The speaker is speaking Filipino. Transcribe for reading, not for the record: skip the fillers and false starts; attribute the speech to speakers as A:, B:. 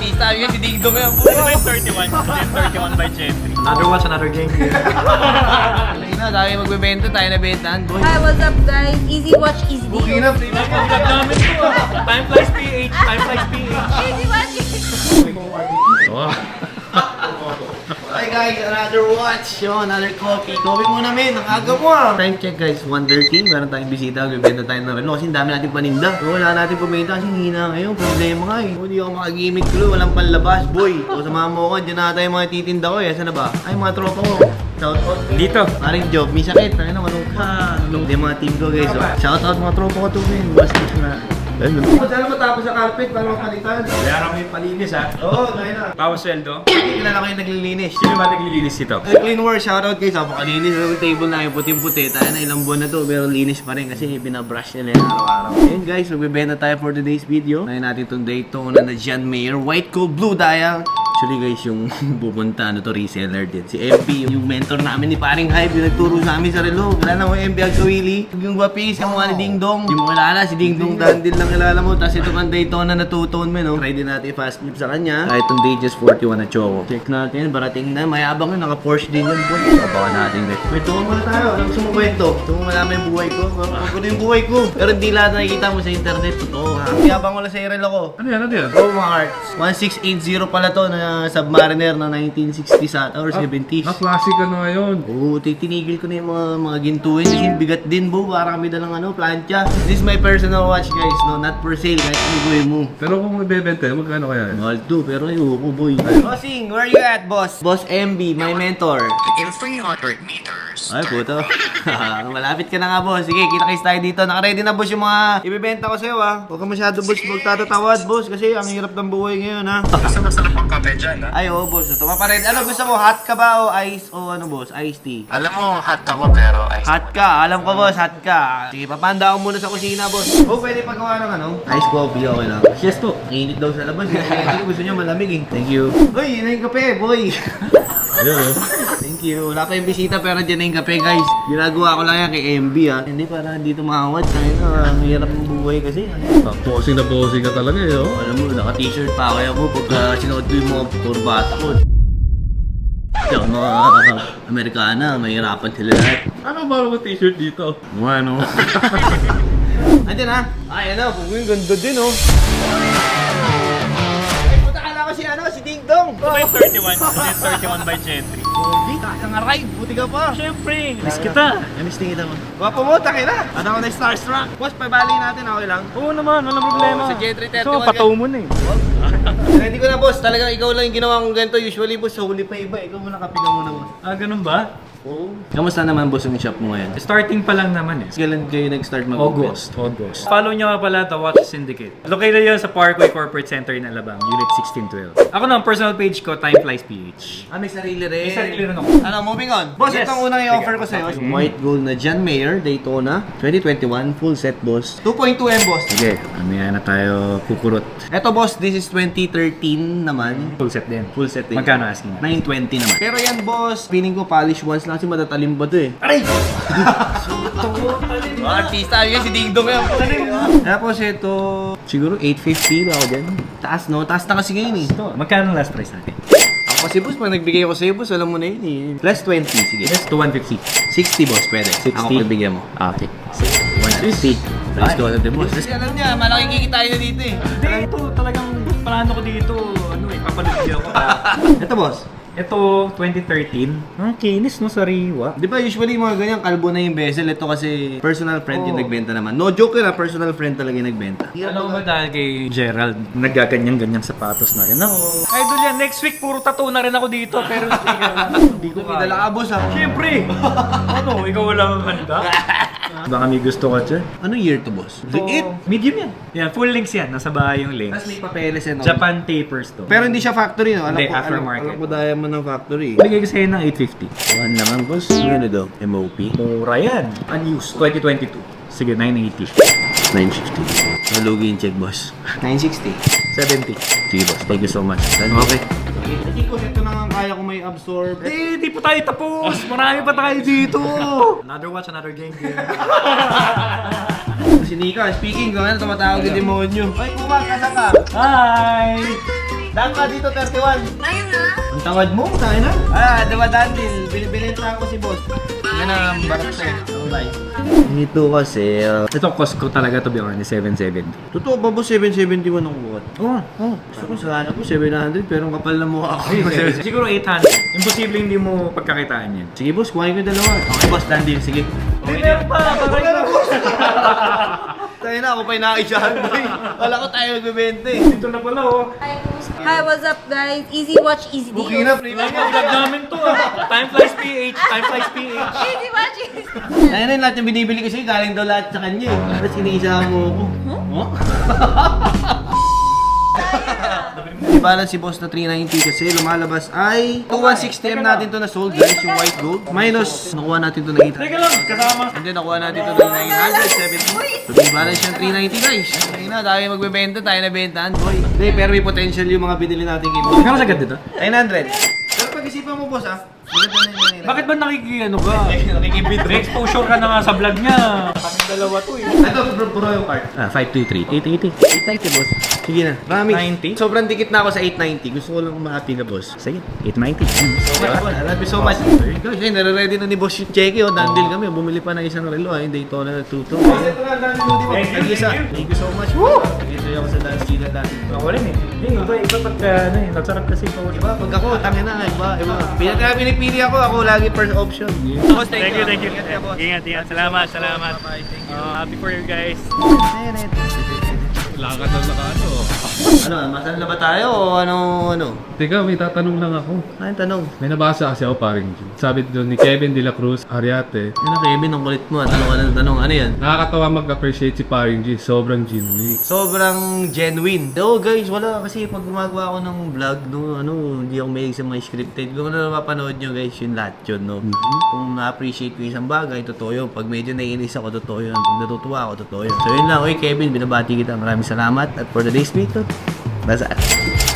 A: Artista yun, si Ding Dong yan.
B: Ano ba yung 31? 31 by Jeffrey.
C: Another watch, another game.
A: Ay na, dami magbebenta tayo na bentahan, boy.
D: Hi, what's up guys? Easy watch, easy deal.
A: Okay na,
B: Pagkat namin to ah. Time flies PH. Time flies PH.
D: Easy watch,
A: Hi guys, another watch. Yo, another coffee. Coffee muna men, ang aga mo ah. Time check guys, Wonder King. Meron tayong bisita, magbebenta tayo ng relo. Kasi ang dami natin paninda. So, wala natin pumenta kasi hina ngayon. Problema nga eh. Hindi ako makagimik tuloy, walang panlabas, boy. So, samahan mo ko, dyan na tayo mga titinda ko eh. Saan na ba? Ay, mga tropa ko. Shout out.
B: Dito.
A: Maring job, may sakit. Ay na, manong ka. Hindi mga team ko guys. So, shout out mga tropa ko to men. Bastos na. Sana matapos sa carpet para mapalitan.
B: Kaya kami palinis ha.
A: Oo, tayo na.
B: Bawas sweldo.
A: Kilala ko yung naglilinis.
B: Sino ba naglilinis ito?
A: Clean work, shoutout guys. Napakalinis. Yung table na yung puting-puti. Tayo na ilang buwan na to, pero linis pa rin kasi binabrush nila yung araw-araw. Ayun guys, magbibenta tayo for today's video. Ngayon natin itong Daytona na John Mayer. White Coat Blue Dial. Actually guys, yung pupunta ano to, reseller din. Si MP, yung mentor namin ni Paring Hype, yung nagturo sa amin sa relo. Wala na mo MP Agkawili. Yung gwapis, yung mga ni Ding Dong. Yung mo kilala, si Ding Dong Dandil lang kilala mo. Tapos ito kang Daytona na two-tone mo, no? Try din natin fast clip sa kanya. Kahit itong Datejust 41 na choco. Check natin, barating na. Mayabang yun, naka-Porsche din yun. Abangan natin guys. Wait, tungo muna tayo. Alam gusto mo kwento? Gusto mo malaman yung buhay ko? Magkulo yung buhay ko. Pero hindi lahat nakikita mo sa internet. Totoo ha. Mayabang ko lang sa relo ko.
C: Ano yan? Ano yan?
A: Oh mga hearts. 1680 pala to na Submariner na 1960s ata or 70s.
C: Classic ano ngayon.
A: Oo, tinigil ko na yung mga gintuin kasi bigat din bo, para kami dalang ano, plancha. This is my personal watch guys, no, not for sale, kahit ano gawin mo.
C: Pero kung magbebenta, magkano kaya?
A: Mahal to, pero ayoko boy. Bossing, where you at boss? Boss MB, my mentor.
E: In 300 meters.
A: Ay puto. Malapit ka na nga boss. Sige, kita-kits tayo dito. Naka-ready na boss yung mga ibebenta ko sa'yo ha. Huwag ka masyado boss magtatatawad boss kasi ang hirap ng buhay ngayon ha.
E: Gusto masarap ang kape dyan, ha?
A: Ay oo boss, ito mapared. Ano gusto mo? Hot ka ba o ice o ano boss? Iced tea?
E: Alam mo, hot ako pero ay...
A: Hot ka, alam ko boss, hot ka. Sige, papanda ako muna sa kusina boss. Oh, pwede pagawa ng ano? Ice coffee, okay lang. Yes to. Init daw sa labas. Hindi gusto niya malamig eh. Thank you. Uy, yun na yung kape, boy. Thank you. Wala pa yung bisita pero dyan na yung kape guys. Ginagawa ko lang yan kay MB ha. Hindi para dito makawad. Kaya na, ang hirap ng buhay kasi.
C: Posing na posing ka talaga eh, oh.
A: Alam mo, naka-t-shirt pa ako ako pagka sinuot ko yung mga kurbata ko. Yung mga Amerikana, mahirapan sila lahat.
C: Ano ba ang t-shirt dito?
A: Ano? Andyan ha? Ay, ano, kung yung ganda din oh. Ay, puta kala ko si ano, si Ding Dong.
B: Ano ba yung 31? 31 by Jeffrey.
A: Hindi, kang aray, buti ka pa.
B: Siyempre, miss kita.
A: Namiss tingin mo. Gwapo mo, takina. Ano ako na starstruck. Boss, pabali natin, okay lang.
B: Oo naman, walang problema.
A: Oo, sa J331
B: So, pataw mo na eh.
A: Ready ko na boss, talagang ikaw lang yung ginawa kong ganito. Usually boss, sa huli pa iba. Ikaw muna kapigan muna boss.
B: Ah, ganun ba?
A: Oo. Kamusta naman boss yung shop mo ngayon?
B: Starting pa lang naman eh.
A: Kailan kayo nag-start mag-open?
B: August. Follow nyo nga pala The Watch Syndicate. Located yun sa Parkway Corporate Center in Alabang, Unit 1612. Ako na, ang personal page ko, Time Flies PH.
A: Ah, may sarili rin.
B: May sarili rin ako.
A: Ano, moving on. Boss,
B: Yes.
A: itong unang i-offer ko sa'yo.
B: Okay.
A: White gold na John Mayer, Daytona, 2021, full set boss. 2.2M boss.
B: Sige, mamaya na tayo kukurot.
A: Eto boss, this is 2013 naman.
B: Full set din.
A: Full set din.
B: Magkano asking?
A: 920 naman. Pero yan boss, feeling ko polish once lang kasi matatalim ba to eh. Aray! Artista yun, si Ding Dong yan. Tapos ito, siguro 850 ba ako dyan? Taas no? Taas na kasi ngayon eh.
B: Magkano last price natin?
A: Ako kasi boss, pag nagbigay ako sa'yo boss, alam mo na yun eh. Plus 20, sige.
B: Yes, to 150.
A: 60 boss, pwede.
B: 60?
A: Ako pagbigyan mo.
B: Okay.
A: 150. Let's go natin boss. Kasi alam niya, malaking kikitain na dito eh.
B: Hindi, ito talagang plano ko dito. Ano eh, papalugdi ako.
A: Ito boss.
B: Ito, 2013. Ang kinis no, sariwa.
A: Di ba usually mga ganyan, kalbo na yung bezel. Ito kasi personal friend yung nagbenta naman. No joke yun personal friend talaga yung nagbenta.
B: Alam mo ba dahil kay Gerald, naggaganyan-ganyan sapatos na rin. Ako, idol yan, next week puro tattoo na rin ako dito. Pero hindi ko
A: May dala ka boss ha.
B: Siyempre! Ano, ikaw wala mang handa? Baka may gusto ka dyan.
A: Anong year to boss?
B: Ito, medium yan. Yan, full links yan. Nasa bahay yung links.
A: Tapos may papeles yan.
B: Japan tapers to.
A: Pero hindi siya factory no? Alam
B: Hindi,
A: ko,
B: aftermarket.
A: Alam ko diamond ng factory.
B: Bigay ko sa'yo ng 850.
A: One naman boss. Ano daw? MOP?
B: Mura yan. Unused, 2022. Sige, 980.
A: 950. Nalugi yung check boss. 960.
B: 70.
A: Sige boss, thank you so much.
B: Okay.
A: Hindi ko ito na nga kaya ko may absorb.
B: Di pa tayo tapos. Marami pa tayo dito. Another watch, another game.
A: Si Nika, speaking ko, ano tumatawag yung demonyo? Ay, Puma, kasa ka?
B: Hi!
A: Daan ka dito, 31.
D: Ayun na.
A: Ang tawad mo, tayo na. Diba Dandil, binibilita ako si boss. Yan ang barat sa'yo. Bye. Ito kasi,
B: Ito cost ko talaga to be honest, 770.
A: totoo ba boss, 771 ang buhat? Gusto ko sana po 700 pero ang kapal na mukha ako.
B: Siguro 800. Imposible hindi mo pagkakitaan yan.
A: Sige boss, kuhain ko yung dalawa. Okay boss, Dandil, sige.
B: Hindi, meron pa.
A: Tayo na, ako pa yung nakaisahan boy. Wala ko tayo nagbibente.
B: Dito na pala oh.
D: Hi, what's up guys? Easy watch, easy deal.
A: Okay na, premium.
B: Vlog namin to ah. Time flies PH. Time flies PH.
D: Easy watch, easy
A: Ayun na yung lahat yung binibili ko sa'yo, galing daw lahat sa kanya eh. Tapos iniisahan mo ako. Huh? I-balance si boss na 390 kasi lumalabas ay 2160M natin to na sold guys, yung white gold. Minus, nakuha natin to na 800.
B: Teka lang, kasama.
A: And then nakuha natin to na 970. So i-balance yung 390 guys. Ayun na, tayo magbebenta, tayo na bentahan boy. Hindi, pero may potential yung mga binili natin kay boss.
B: Kano sagad dito?
A: 900. Pero pag-isipan mo boss ah, maganda na yun.
B: Bakit ba nakikiyano ka? May exposure ka na nga sa vlog niya. Kami dalawa to eh.
A: Ito, puro yung card.
B: 523. 880.
A: 890 boss. Sige na. Promise.
B: 90?
A: Sobrang dikit na ako sa 890. Gusto ko lang umahati na boss.
B: Sige, 890.
A: I love you so much. Guys, ay, nare-ready na ni boss yung cheque. Oh, dandil kami. Bumili pa ng isang relo. Ay, Daytona na 22. Thank you so much. Woo! Ito ako sa dance kila dati.
B: Ako rin eh. Hindi, iba pagka ano eh. Nagsarap kasi ito.
A: Diba? Pag ako, tangin na. Iba. Pinipili ako lagi first option. Boss,
B: Thank you.
A: Ingat ka, boss.
B: Ingat. Salamat.
A: Thank you.
B: Happy for you guys.
C: Lakad na ano.
A: Ano, masal na ba tayo o ano?
C: Teka, may tatanong lang ako.
A: Ano tanong?
C: May nabasa kasi ako paring Jim. Sabi doon ni Kevin De La Cruz, Ariate.
A: Ano Kevin, ang kulit mo. Tanong ka ng tanong. Ano yan?
C: Nakakatawa mag-appreciate si paring G. Sobrang genuine.
A: Sobrang genuine. Oo guys, wala kasi pag gumagawa ako ng vlog, hindi ako mahilig sa mga scripted. Kung ano mapanood nyo guys, yun lahat yun, no? Kung na-appreciate ko isang bagay, totoo yun. Pag medyo naiinis ako, totoo yun. Pag natutuwa ako, totoo yun. So yun lang, okay Kevin, binabati kita. Maraming salamat. At for today's video, that's it.